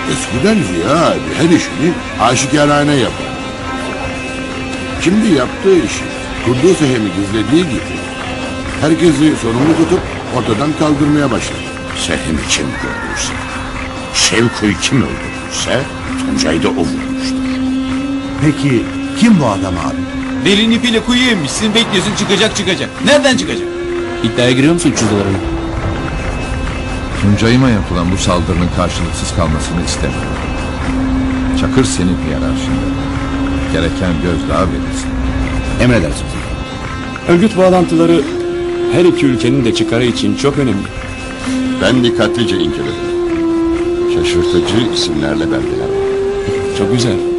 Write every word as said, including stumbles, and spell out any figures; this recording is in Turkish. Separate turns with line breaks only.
Eskiden Ziya abi her işini aşikarane yapar. Şimdi yaptığı işi, kurduğu sehemi gizlediği gibi herkesi sorumlu tutup ortadan kaldırmaya başladı.
Sehimi kim gördüyse, Şevku'yu kim öldürdüyse Tuncay'ı da o vurmuştur.
Peki kim bu adam abi?
Delinin ipiyle kuyuya inmişsin, bekliyorsun, çıkacak çıkacak. Nereden çıkacak?
İddiaya giriyor musun üçüncülerin?
Tuncay'ıma yapılan bu saldırının karşılıksız kalmasını istemiyorum. Çakır senin hiyerarşinde. Gereken gözdağı verirsin.
Emredersiniz. Örgüt bağlantıları her iki ülkenin de çıkarı için çok önemli.
Ben dikkatlice inceledim. Şaşırtıcı isimlerle belgeler var.
Çok güzel.